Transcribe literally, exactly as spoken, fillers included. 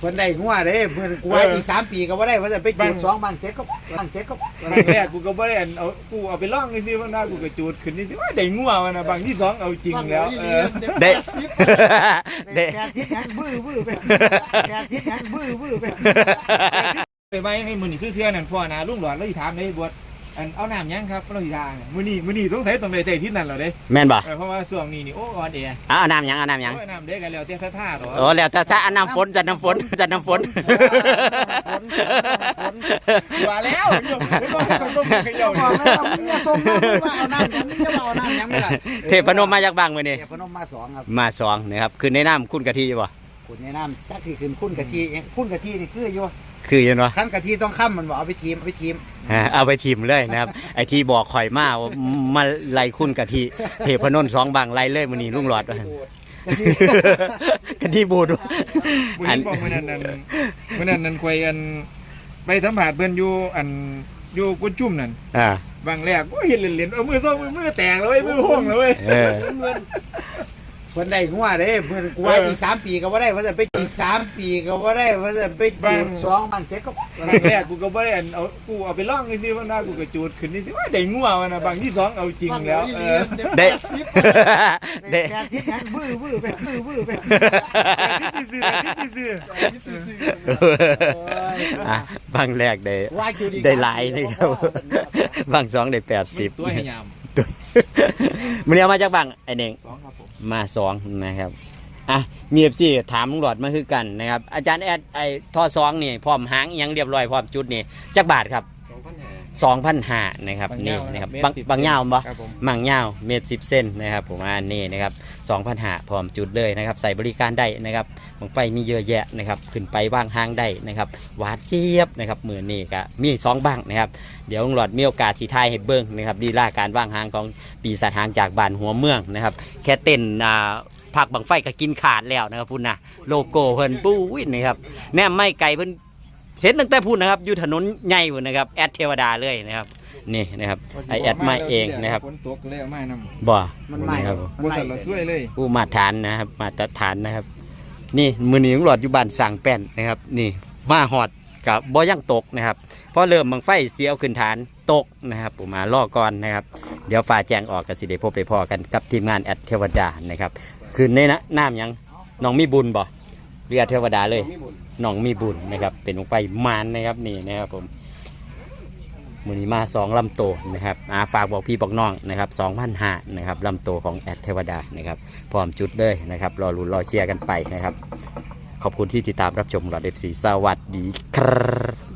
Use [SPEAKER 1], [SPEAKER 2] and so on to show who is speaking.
[SPEAKER 1] เพิ่นได้งัวเด้เพิ่นกูว่าอีกสามปีก็บ่ได้เพิ่นจะไปจูดสองบางเสร็จก็บางเสร็จก็
[SPEAKER 2] บางแรกกูก็บ่ได้เอากูเอาไปล่องนี่สิว่าหน้ากูก็จูดขึ้นนี่สิว่าได้งัวมันนะบางที่สองเอาจริงแล้ว
[SPEAKER 3] ได้ได้
[SPEAKER 1] แปดสิบยังบื้อบื้อไปแปดสิบยังบื้อบื้อไป
[SPEAKER 2] ไปไว้ให้มื้อนี้ซื้อเทื่อนั่นพ่อนะลุงหลอดแล้วสิถามได้บวชอันเอาน้ำยังครับเราสิทางมื้อนี้มื้อนี้สงสัยต้องได้ใจที่นั่นแล้วเด้
[SPEAKER 3] แม่นบ่
[SPEAKER 2] เพราะว่าช่วงนี้นี่โอ้อ่อนแอ
[SPEAKER 3] เอาน้ำยังเอาน้ำยัง
[SPEAKER 2] น้ำเด้กันแล้วแต่ท่าๆหรอ
[SPEAKER 3] โอ้แล้วแต่ถ้าน้ำฝนจัดน้ำฝนจัดน้ำฝน
[SPEAKER 2] ว่าแล้วไม่ต้องต้องเขย่า
[SPEAKER 1] บอกแล้วมึงอย่าส่งมาว่าเอาน้ำยังมึงจะเอาน้ำยังไม่ได้
[SPEAKER 3] เทพนมมาจากบางมื้อนี้
[SPEAKER 1] เทพนมมาสองครับ
[SPEAKER 3] มาสองนะครับขึ้นในน้ำคุณกะทิบ่
[SPEAKER 1] คุณในน้ำจักที่ขึ้นคุณกะทิคุณกะทินี่คืออยู่
[SPEAKER 3] คือยังวะ
[SPEAKER 1] ขั้นกะทิต้องค้ำมันบอกเอาไปทีมเอาไปทีม
[SPEAKER 3] เอาไปทีมเลยนะครับไอที่บอกข่อยมาว่ามาไล่คุณกะทิเทพนนสองบางไล่เลยมื้อนี้ลุงหลอดกะทิบูด
[SPEAKER 2] อันบอกมื้อนั้นนั่นมื้อนั้นนั่นควยอันไปสัมภาษณ์เพิ่นอยู่อันอยู่กุจุ่มนั่น
[SPEAKER 3] อ่า
[SPEAKER 2] บางแรกก็เห็นเหรียญเอามือซ้อมมือแตกเลยมือห้องเลย
[SPEAKER 3] เออ
[SPEAKER 1] เพิ่นได้งัวเด้เพิ่นกูว่าอีกสามปีก็บ่ได้เพิ่นจะไปอีกสามปีก็บ่ได้เพิ่นจะไปจูดสองบางเสร็จก็
[SPEAKER 2] บางแรกกูก็บ่ได้เอากูเอาไปล่องนี่สิว่าหน้ากูก็จูดขึ้นนี่สิว่าได้งัวมันนะบางที่สองเอาจริงแล้ว
[SPEAKER 3] ได้
[SPEAKER 1] ได้แปดสิบยังบื้อบื้อไปบื้อบื้อไป
[SPEAKER 2] ซื้อซื้อ
[SPEAKER 3] บางแรกได้ได้หลายนี่ครับบางสองได้แปดสิบ
[SPEAKER 2] ตัวให้ยาม
[SPEAKER 3] มันเอามาจากบางไอเน่งมาสองนะครับอ่ะมีเอฟซีถามลุงหลอดมาคือกันนะครับอาจารย์แอดไอทอสองนี่พร้อมหางยังเรียบร้อยพร้อมจุดนี่จักบาทครับสองพันห้านะครับนี่นะครับบางบางเงาบ่บางเงาเมตรสิบเส้นนะครับผมอันนี้นะครับสองพันห้าพร้อมจุดเลยนะครับใส่บริการได้นะครับบางไฟมีเยอะแยะนะครับขึ้นไปว่างห้างได้นะครับหวานเจี๊ยบนะครับมือนี่ก็มีสองบ้างนะครับเดี๋ยวลุงหลอดมีโอกาสสีไทยให้เบิ้งนะครับดีล่าการว่างห้างของปีศาจหางจากบ้านหัวเมืองนะครับแค่เต้นอ่าผักบังไฟก็กินขาดแล้วนะครับพุ่นนะโลโก้เพิ่นปุ้ยนะครับแนมไม่ไกลเพิ่นเห็นตั้งแต่พูดนะครับอยู่ถนนใหญ่พุ่นนะครับแอดเทวดาเลยนะครับนี่นะครับไอแอดมาเองนะครับ
[SPEAKER 2] ฝนตกเลยมาน
[SPEAKER 3] ำบ่
[SPEAKER 1] มันใหม่
[SPEAKER 3] ครับ
[SPEAKER 2] บ่สั่นละช่วยเลย
[SPEAKER 3] ผู้มาฐานนะครับมาตรฐานนะครับนี่มือนี้ลุงหลอดอยู่บ้านสร้างแป้นนะครับนี่มาหอดกับบ่ยังตกนะครับพอเริ่มบังไฟเสียวขึ้นฐานตกนะครับผมมาล่อก่อนนะครับเดี๋ยวฝ่าแจงออกกับสิเดพบไปพอกันกับทีมงานแอดเทวดานะครับคืนในน้ำยังน้องมีบุญบ่เรียกเทวดาเลยน้องมีบุญนะครับเป็นลงไปมานนะครับนี่นะครับผมมือนี้มาสองลำโตนะครับฝากบอกพี่บอกน้องนะครับสองพันห้านะครับลำโตของแอดเทวดานะครับพร้อมจุดเลยนะครับรอลุ้นรอเชียร์กันไปนะครับขอบคุณที่ติดตามรับชมหลอดเอฟซีสวัสดีครับ